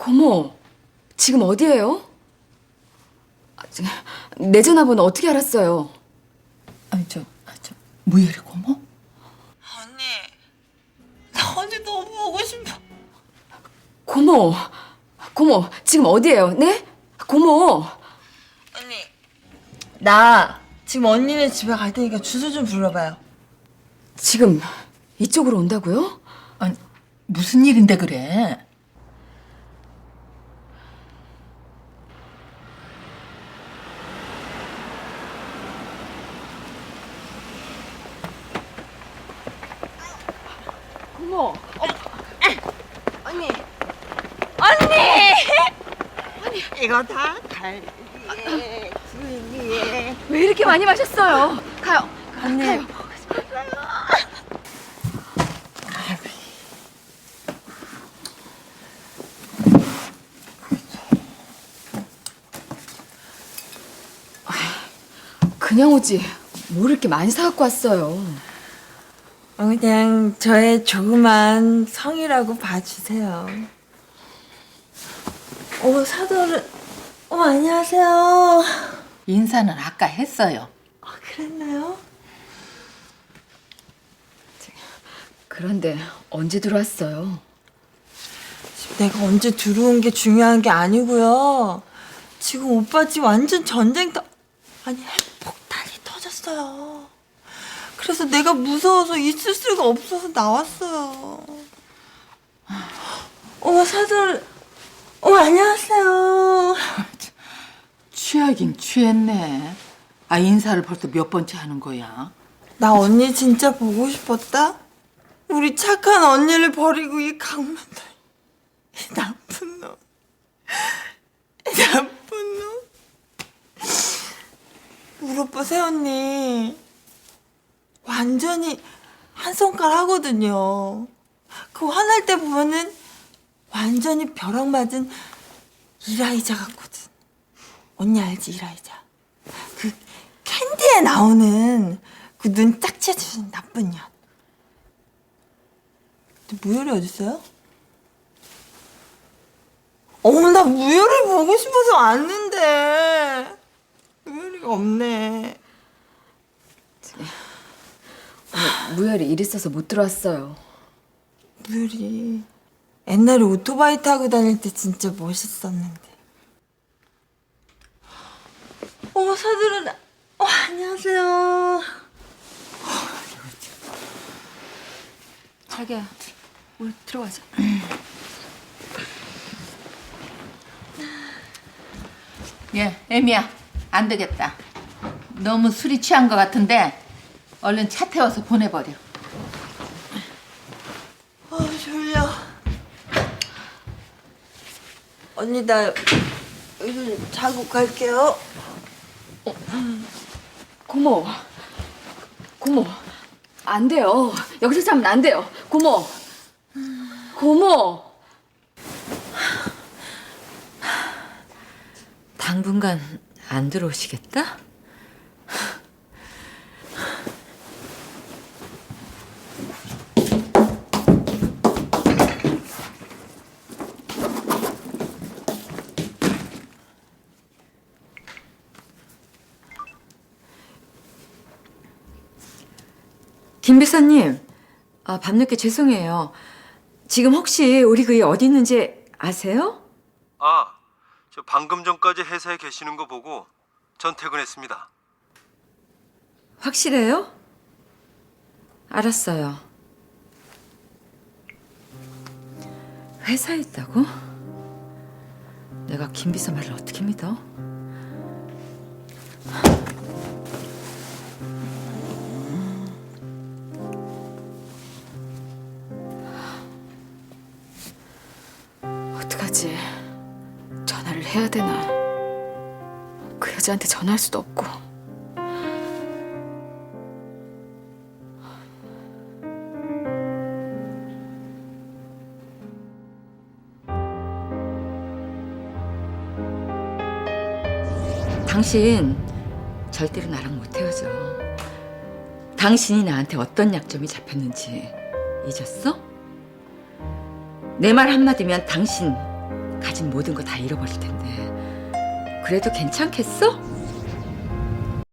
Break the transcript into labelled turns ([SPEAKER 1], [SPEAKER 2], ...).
[SPEAKER 1] 고모, 지금 어디예요? 내 전화번호 어떻게 알았어요?
[SPEAKER 2] 아니 무예리 고모?
[SPEAKER 3] 언니, 나 언니 너무 보고 싶어.
[SPEAKER 1] 고모, 지금 어디예요? 네? 고모.
[SPEAKER 3] 언니, 나 지금 언니네 집에 갈 테니까 주소 좀 불러봐요.
[SPEAKER 1] 지금 이쪽으로 온다고요?
[SPEAKER 2] 아니 무슨 일인데 그래?
[SPEAKER 1] 고모.
[SPEAKER 3] 언니, 언니! 이거 다 갈비에 주인이에.
[SPEAKER 1] 왜 이렇게 많이 마셨어요? 가요.
[SPEAKER 3] 언니.
[SPEAKER 1] 가요. 그냥 오지. 뭘 이렇게 많이 사갖고 왔어요.
[SPEAKER 3] 그냥 저의 조그만 성이라고 봐주세요. 사돈은, 안녕하세요.
[SPEAKER 2] 인사는 아까 했어요.
[SPEAKER 3] 그랬나요?
[SPEAKER 1] 그런데 언제 들어왔어요?
[SPEAKER 3] 내가 언제 들어온 게 중요한 게 아니고요. 지금 오빠 집 완전 전쟁터, 핵폭탄이 터졌어요. 그래서 내가 무서워서 있을 수가 없어서 나왔어요. 사돈, 안녕하세요.
[SPEAKER 2] 취하긴 취했네. 인사를 벌써 몇 번째 하는 거야?
[SPEAKER 3] 나 언니 진짜 보고 싶었다? 우리 착한 언니를 버리고 이 강만도 이 나쁜 놈. 이 나쁜 놈. 우리 오빠 새언니 완전히 한 손가락 하거든요. 그 화날 때 보면은 완전히 벼락 맞은 이라이자 같거든. 언니 알지, 이라이자? 그 캔디에 나오는 그 눈 딱 채주는 나쁜 년. 근데 무열이 어딨어요? 나 무열이 보고 싶어서 왔는데 무열이가 없네.
[SPEAKER 1] 오늘 무열이 일 있어서 못 들어왔어요.
[SPEAKER 3] 무열이 옛날에 오토바이 타고 다닐 때 진짜 멋있었는데. 사들은 안녕하세요.
[SPEAKER 1] 자기야, 우리 들어가자.
[SPEAKER 2] 예, 애미야, 안 되겠다. 너무 술이 취한 것 같은데 얼른 차 태워서 보내버려.
[SPEAKER 3] 졸려. 언니 나 여기 자고 갈게요.
[SPEAKER 1] 고모, 안 돼요. 여기서 자면 안 돼요. 고모.
[SPEAKER 4] 당분간 안 들어오시겠다? 김 비서님, 밤늦게 죄송해요. 지금 혹시 우리 그이 어디 있는지 아세요?
[SPEAKER 5] 저 방금 전까지 회사에 계시는 거 보고 전 퇴근했습니다.
[SPEAKER 4] 확실해요? 알았어요. 회사에 있다고? 내가 김 비서 말을 어떻게 믿어?
[SPEAKER 1] 어떡하지? 전화를 해야 되나? 그 여자한테 전화할 수도 없고.
[SPEAKER 4] 당신 절대로 나랑 못 헤어져. 당신이 나한테 어떤 약점이 잡혔는지 잊었어? 내 말 한마디면 당신 가진 모든 거 다 잃어버릴 텐데. 그래도 괜찮겠어?